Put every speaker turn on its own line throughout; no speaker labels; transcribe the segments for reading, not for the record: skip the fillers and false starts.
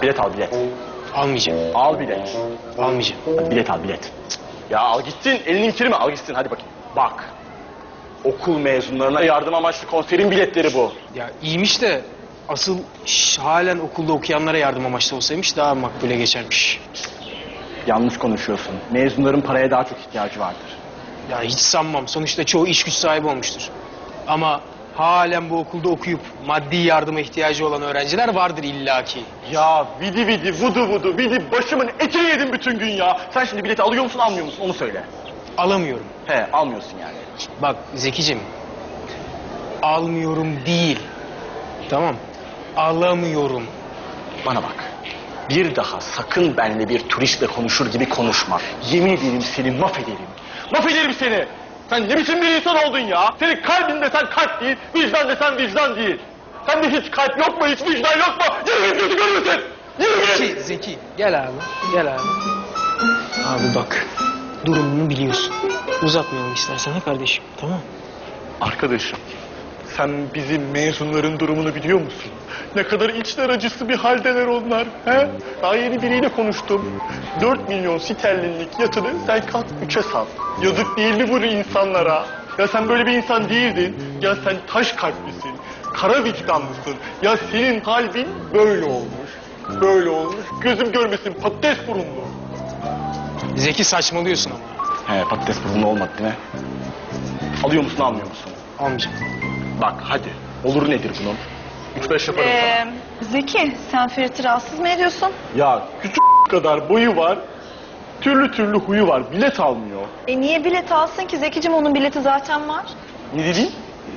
Bilet al bilet.
Almayacağım.
Al bilet.
Almayacağım.
Hadi bilet al bilet. Ya al gitsin, elini kirme, al gitsin, hadi bakayım. Bak, okul mezunlarına yardım amaçlı konserin biletleri bu.
Ya iyiymiş de asıl halen okulda okuyanlara yardım amaçlı olsaymış daha makbule geçermiş.
Yanlış konuşuyorsun. Mezunların paraya daha çok ihtiyacı vardır.
Ya hiç sanmam. Sonuçta çoğu iş güç sahibi olmuştur. Ama halen bu okulda okuyup maddi yardıma ihtiyacı olan öğrenciler vardır illaki.
Ya vidi vidi, vudu vudu, vidi başımın etini yedim bütün gün ya. Sen şimdi bileti alıyor musun, almıyor musun? Onu söyle.
Alamıyorum.
He, almıyorsun yani.
Bak Zekicim, almıyorum değil. Tamam, alamıyorum.
Bana bak. Bir daha sakın benimle bir turistle konuşur gibi konuşma. Yemin ederim seni mahvederim. Mahvederim seni. Sen ne biçim bir insan oldun ya? Senin kalbin desen kalp değil, vicdan desen vicdan değil. Sende hiç kalp yok mu, hiç vicdan yok mu? Yürü git, gözü görmesin. Yürü git.
Zeki, gel abi, gel abi. Abi bak, durumunu biliyorsun. Uzatmayalım istersen ha kardeşim, tamam?
Arkadaşım, sen bizim mezunların durumunu biliyor musun? Ne kadar içler acısı bir haldeler onlar. He? Daha yeni biriyle konuştum. 4 milyon sterlinlik yatını sen kat 3'e sat. Yazık değil mi bu insanlara? Ya sen böyle bir insan değildin. Ya sen taş kalplisin. Kara vicdanlısın. Ya senin kalbin böyle olmuş. Böyle olmuş. Gözüm görmesin, patates burunlu.
Zeki saçmalıyorsun ama.
He, patates burunlu olmadı değil mi? Alıyor musun, almıyor musun?
Almayacağım.
Bak hadi. Olur nedir bunun? 3-5 yaparım sana.
Zeki, sen Ferit'i rahatsız mı ediyorsun?
Ya küçük kadar boyu var, türlü türlü huyu var, bilet almıyor.
Niye bilet alsın ki Zekicim, onun bileti zaten var.
Ne dedin?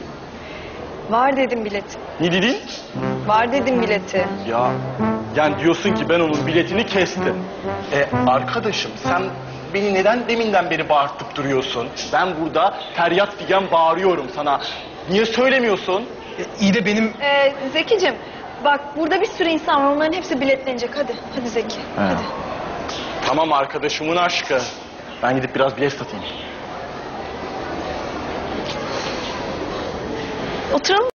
Var dedim bileti.
Ne dedin?
Var dedim bileti.
Ya, yani diyorsun ki ben onun biletini kestim. Arkadaşım sen beni neden deminden beri bağırtıp duruyorsun? Ben burada feryat figan bağırıyorum sana. Niye söylemiyorsun?
İyi de benim...
Zekicim, bak burada bir sürü insan var, onların hepsi biletlenecek. Hadi, hadi Zeki, hadi.
Tamam arkadaşımın aşkı. Ben gidip biraz bilet satayım.
Oturalım.